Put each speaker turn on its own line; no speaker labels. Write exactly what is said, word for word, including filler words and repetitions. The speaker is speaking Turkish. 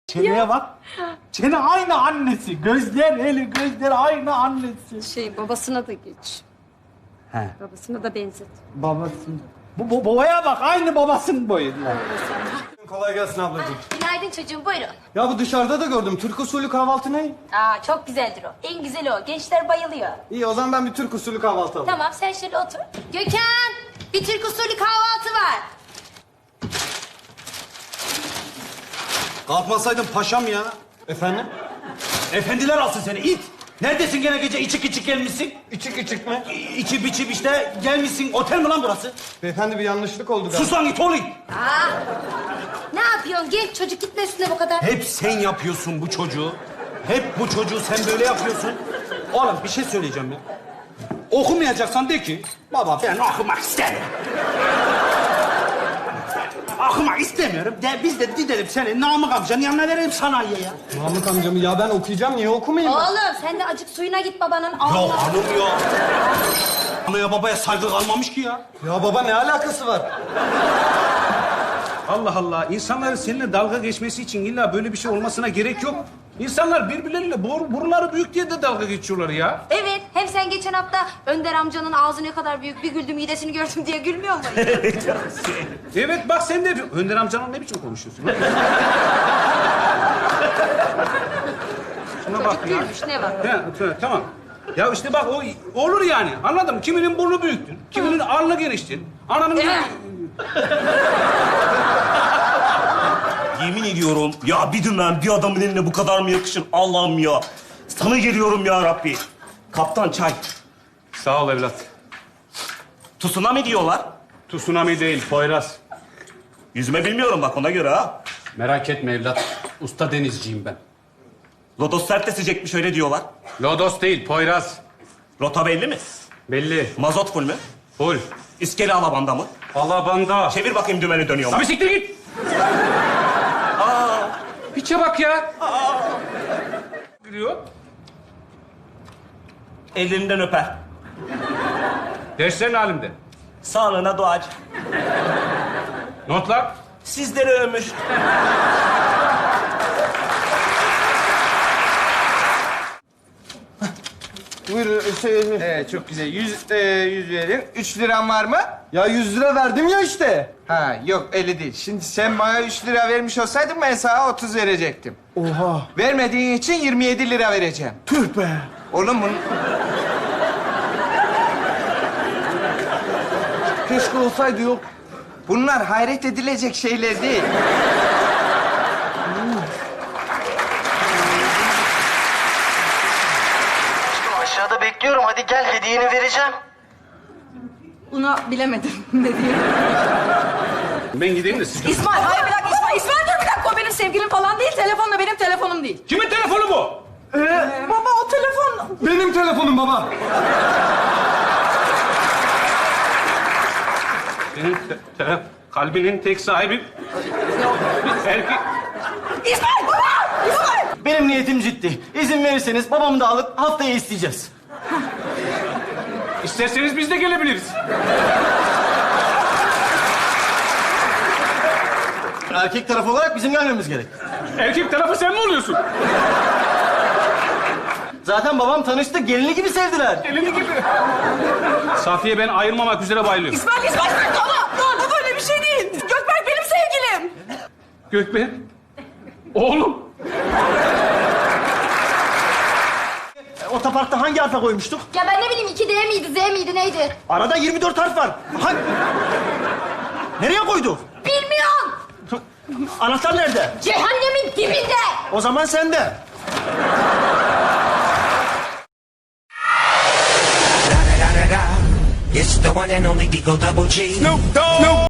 Çeneye bak. Çene aynı annesi. Gözler, eli gözler aynı annesi.
Şey babasına da geç.
He.
Babasına da benzet.
Babası. Bu, bu babaya bak aynı babasının boyunda.
Kolay gelsin ablacığım.
Günaydın çocuğum, buyurun.
Ya bu dışarıda da gördüm. Türk usulü kahvaltı ne?
Aa, çok güzeldir o. En güzeli o. Gençler bayılıyor.
İyi o zaman ben bir Türk usulü kahvaltı alayım.
Tamam, sen şöyle otur. Gökhan, bir Türk usulü kahvaltı var.
Kalkmasaydın paşam ya.
Efendim?
Efendiler alsın seni it. Neredesin gene gece içik içik gelmişsin?
İçik içik mi?
İ- İçi biçip işte gelmişsin. Otel mi lan burası?
Beyefendi bir yanlışlık oldu galiba.
Sus lan it oğlum.
Aa, ne yapıyorsun? Gel, çocuk gitme üstüne bu kadar.
Hep sen yapıyorsun bu çocuğu. Hep bu çocuğu sen böyle yapıyorsun. Oğlum bir şey söyleyeceğim ya. Okumayacaksan de ki baba ben okumak istemiyorum. Okumak istemiyorum. De, biz de gidelim seni Namık amcanın yanına verelim sanayiye ya.
Mahmut amcamı ya ben okuyacağım niye okumayayım ben?
Oğlum, sen de acık suyuna git babanın.
Ya
Allah.
hanım ya. Anaya babaya saygı kalmamış ki ya.
Ya baba ne alakası var?
Allah Allah. İnsanların seninle dalga geçmesi için illa böyle bir şey olmasına gerek yok. İnsanlar birbirleriyle bor, boruları büyük diye de dalga geçiyorlar ya.
Evet, hem sen geçen hafta Önder amcanın ağzı ne kadar büyük, bir güldüm midesini gördüm diye gülmüyor musun?
Evet bak sen de yapıyorsun. Önder amcanla ne biçim konuşuyorsun? Şuna bak
Çocuk
ya.
gülmüş, ne var?
He, t- tamam. Ya işte bak o olur yani. Anladın mı? Kiminin burnu büyüktür. Kiminin alnı geniştir. Ananın...
Yemin ediyorum ya bir dümen bir adamın eline bu kadar mı yakışır Allah'ım ya. Sana geliyorum ya Rabbi. Kaptan çay.
Sağ ol evlat.
Tsunami diyorlar.
Tsunami değil, Poyraz.
Yüzme bilmiyorum bak ona göre ha.
Merak etme evlat. Usta denizciyim ben.
Lodos sertleşecekmiş öyle diyorlar.
Lodos değil, Poyraz.
Rota belli mi?
Belli.
Mazot full mü?
Full.
İskele alabanda mı?
Alabanda.
Çevir bakayım dümeni dönüyor mu?
Abi siktir git. Aa. Piçe bak ya. Aa. Giriyor.
Ellerinden öper.
Derslerin halinde.
Sağlığına duacı.
Notlar.
Sizlere ömür.
Buyurun şey...
Evet, çok güzel. Yüz, e, yüz verin. Üç liran var mı?
Ya yüz lira verdim ya işte.
Ha, yok öyle değil. Şimdi sen bana üç lira vermiş olsaydın ben sana otuz verecektim.
Oha.
Vermediğin için yirmi yedi lira vereceğim.
Tüh be.
Oğlum bunu...
Keşke olsaydı yok.
Bunlar hayret edilecek şeyler değil.
Aşağıda bekliyorum. Hadi gel, hediyeni vereceğim.
Buna bilemedim ne diye.
Ben gideyim de siz...
İsmail, hayır bir dakika İsmail. İsmail dur bir dakika. O benim sevgilim falan değil. Telefonla benim telefonum değil.
Kimin telefonu bu?
Baba o telefon...
Benim telefonum baba.
Senin te- te- kalbinin tek sahibi... Bir erkek...
İsmail baba! İsmail!
Benim niyetim ciddi. İzin verirseniz babamı da alıp haftaya isteyeceğiz.
İsterseniz biz de gelebiliriz.
Erkek tarafı olarak bizim gelmemiz gerek.
Erkek tarafı sen mi oluyorsun?
Zaten babam tanıştı, gelini gibi sevdiler.
Elini gibi. Safiye ben ayrılmamak üzere bayılıyorum.
İsmail, İsmail! Baba! Dur, bu böyle bir şey değil. Gökberk benim sevgilim.
Gökben. Oğlum.
Otoparkta hangi harfe koymuştuk?
Ya ben ne bileyim, iki D miydi, Z miydi, neydi?
Arada yirmi dört harf var. Ha... Nereye koyduk?
Bilmiyorum.
Anahtar nerede?
Cehennemin dibinde.
O zaman sende.
It's the one and only Digo Double G. Snoop Dogg.